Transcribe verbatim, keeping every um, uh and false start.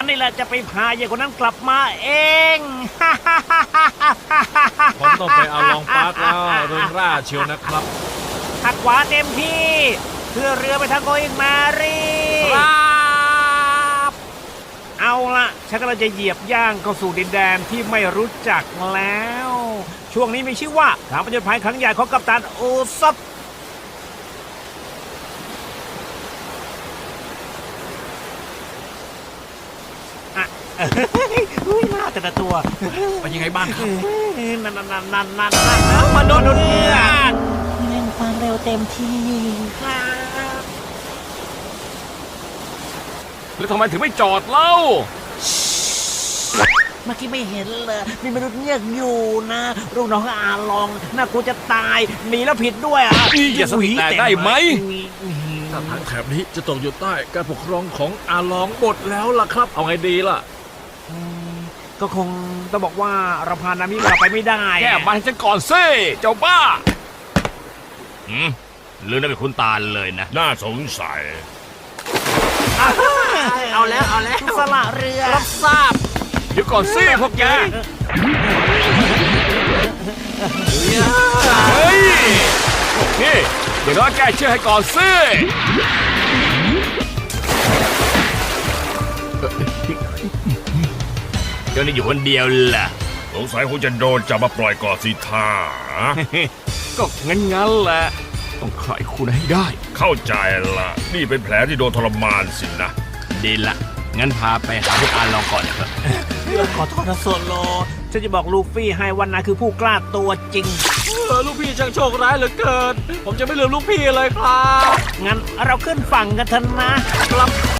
นี่แหละจะไปพาเย่คนนั้นกลับมาเองผมต้องไปเอาลองปาร์คแล้วเริงร่าเชียวนะครับหักขวาเต็มที่เพื่อเรือไปทางโกอิงมารีครับเอาละฉันกำลังจะเหยียบย่างเข้าสู่ดินแดนที่ไม่รู้จักแล้ว ช่วงนี้มีชื่อว่าการผจญภัยครั้งใหญ่ของกัปตันโอซอฟอ่ะอุ้ยหน้าแต่ละตัวเป็นยังไงบ้างครับนั่นนั่นนั่นนั่นนั่นนั่นมนุษย์เงือกเร่งความเร็วเต็มที่ครับแล้วทำไมถึงไม่จอดเล่าเมื่อกี้ไม่เห็นเลยมีมนุษย์เงือกอยู่นะลูกน้องอาลองน่ากลัวจะตายหนีแล้วผิดด้วยอ่ะนี่อย่าสวีแต่ได้ไหมอืมถ้าทางแถบนี้จะตกอยู่ใต้การปกครองของอาลองหมดแล้วล่ะครับ เอาไงดีล่ะก็คงต้องบอกว่าเราพานามิกลับไปไม่ได้แก้บ้านให้ฉันก่อนสิเจ้าบ้าหืมหรือนั่นเป็นคุณตาลเลยนะน่าสงสัยเอาแล้วเอาแล้วสละเรือรับทราบเดี๋ยวก่อนสิพวกแก เฮ้ย นี่ เดี๋ยวน้อยแกเชื่อให้ก่อนสิเจ้านี่อยู่คนเดียวล่ะสงสัยคงจะโดนจับมาปล่อยก่อนสิท่าก็งั้นๆแหละ ต้องใครคุณให้ได้เข้าใจละนี่เป็นแผลที่โดนทรมานสินะดีละ งั้นพาไปหาพวกอานลองก่อนนะครับขอโทษนะโซโลฉันจะบอกลูฟี่ให้วันนั้นคือผู้กล้าตัวจริงเออลูกพี่ช่างโชคร้ายเหลือเกิน ผมจะไม่ลืมลูกพี่เลยครับงั้นเราขึ้นฝั่งกันเถอะนะครับ